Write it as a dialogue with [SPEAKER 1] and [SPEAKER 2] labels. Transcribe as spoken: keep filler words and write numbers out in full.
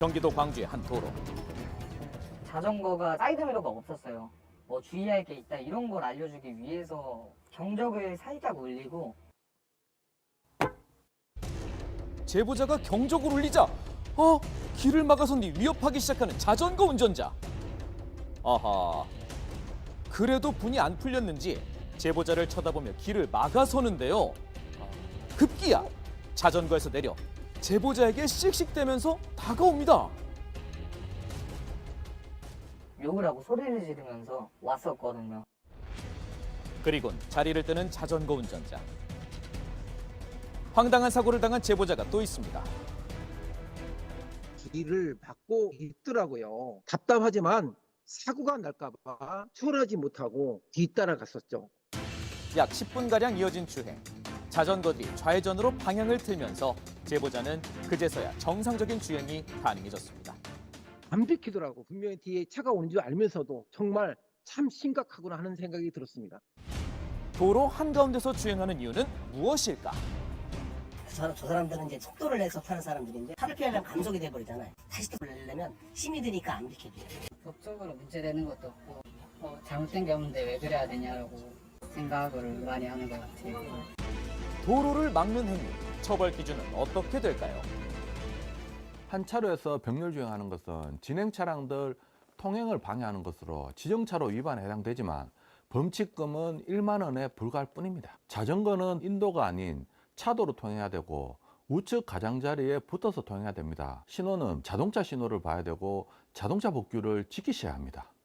[SPEAKER 1] 경기도 광주의 한 도로.
[SPEAKER 2] 자전거가 사이드미러가 없었어요. 뭐 주의할 게 있다 이런 걸 알려주기 위해서 경적을 살짝 울리고
[SPEAKER 1] 제보자가 경적을 울리자 어? 길을 막아선 뒤 위협하기 시작하는 자전거 운전자. 아하. 그래도 분이 안 풀렸는지 제보자를 쳐다보며 길을 막아서는데요. 급기야 자전거에서 내려 제보자에게 씩씩대면서 다가옵니다.
[SPEAKER 2] 욕을 하고 소리를 지르면서 왔었거든요.
[SPEAKER 1] 그리곤 자리를 뜨는 자전거 운전자. 황당한 사고를 당한 제보자가 또 있습니다.
[SPEAKER 3] 길을 막고 있더라고요. 답답하지만 사고가 날까 봐 추월하지 못하고 뒤따라갔었죠.
[SPEAKER 1] 약 십 분가량 이어진 주행. 자전거 뒤 좌회전으로 방향을 틀면서 제보자는 그제서야 정상적인 주행이 가능해졌습니다.
[SPEAKER 3] 안 비키더라고. 분명히 뒤에 차가 오는 줄 알면서도 정말 참 심각하구나 하는 생각이 들었습니다.
[SPEAKER 1] 도로 한가운데서 주행하는 이유는 무엇일까?
[SPEAKER 4] 저, 저 사람들은 이제 속도를 내서 타는 사람들인데 차를 피하려면 감속이 돼버리잖아요. 다시 또 내려면 힘이 드니까 안 비켜줘요.
[SPEAKER 5] 법적으로 문제되는 것도 없고 뭐 잘못된 게 없는데 왜 그래야 되냐라고 생각을 많이 하는 것 같아요.
[SPEAKER 1] 도로를 막는 행위, 처벌 기준은 어떻게 될까요?
[SPEAKER 6] 한 차로에서 병렬 주행하는 것은 진행 차량들 통행을 방해하는 것으로 지정차로 위반에 해당되지만 범칙금은 일만 원에 불과할 뿐입니다. 자전거는 인도가 아닌 차도로 통행해야 되고 우측 가장자리에 붙어서 통행해야 됩니다. 신호는 자동차 신호를 봐야 되고 자동차 법규를 지키셔야 합니다.